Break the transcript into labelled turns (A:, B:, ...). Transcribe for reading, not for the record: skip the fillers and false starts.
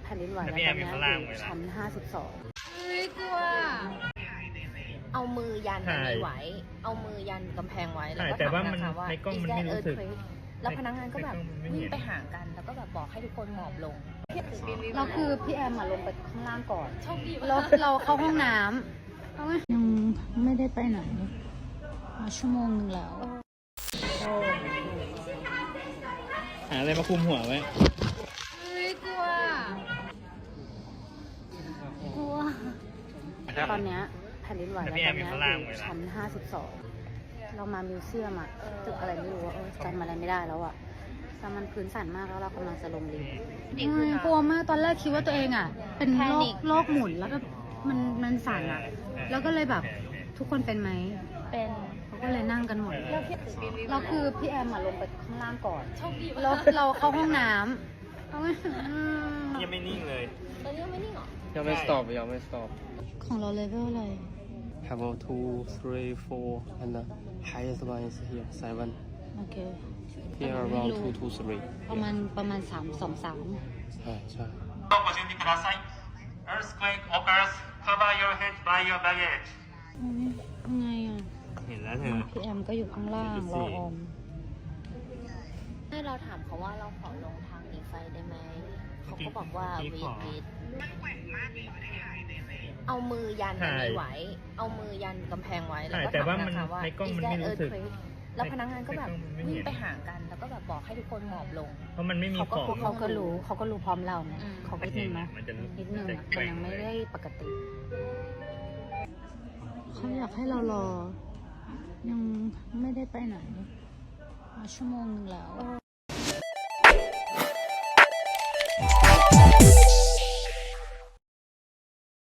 A: ผ่นดินไหวแล้วตอนนี้อยู่ชั้น52
B: เฮ้ยกลัวเอามือยันอันนี้ไว้เอามือยันกำแพงไว้แล้วก็ถามนะคะว่า is that earthquake แล้วพนักงานก็แบบวิ่งไปหากันแล้วก็แบบบอกให้ทุกคนหมอบลง
A: เราคือพี่แอมลงไปข้างล่างก่อนเราเข้าห้องน้ำยังไม่ได้ไปไหนมาชั่วโมงนึงแล้ว
C: หาอะไรมาคุมหัวไว้
B: เฮ้ยกลัว
A: ตอนนี้แผ่นดินไหวแล้วตอนนี้อยู่ชั้น52เรามามิวเซียมอะตึกอะไรไม่รู้จำอะไรไม่ได้แล้วอะแต่มันพื้นสั่นมากแล้วเรากำลังจะลงลิฟต์กลัวมากตอนแรกคิดว่าตัวเองอะเป็นโรคหมุนแล้วก็มันสั่นอะแล้วก็เลยแบบทุกคนเป็นไหม
B: เป็น
A: เขาก็เลยนั่งกันหมดเราคือพี่แอมลงไปข้างล่างก่อนเราเข้าห้องน้ำ
C: ยังไม่นิ่งเลย
B: ตอนนี้ยังไม่นิ่งหรอ
C: ยังไม่ stop ยังไม่ stop
A: ของเราเลเวลอะไร
C: level 2 3 4 and the highest one is here 7
A: โอเค
C: here around 2 to 3
A: ประมาณ3 2 3
C: ใช่ใช่
D: Earthquake occurs. Cover your head by your baggage.
A: ไงอ่ะ
C: เห็นแล้วเธอ
A: พี่แอมก็อยู่ข้างล่างรออม
B: ให้เราถามเขาว่าเราขอลงทางหนีไฟได้ไหมเขาก็บอกว่าวีดเอามือยันอันนี้ไว้เอามือยันกำแพงไว้แล้วก็ถามนะคะว่า is that earthquake แล้วพนักงานก็แบบวิ่งไปหากันแล้วก็แบบบอกให้ทุกคนหมอบลง
C: เพราะมันไม่มีของ
A: เขาก็รู้พร้อมเราเนี่ยเขาก็นิดนึงนะนิดนึงมันยังไม่ได้ปกติเขาอยากให้เรารอยังไม่ได้ไปไหนมาชั่วโมงนึงแล้ว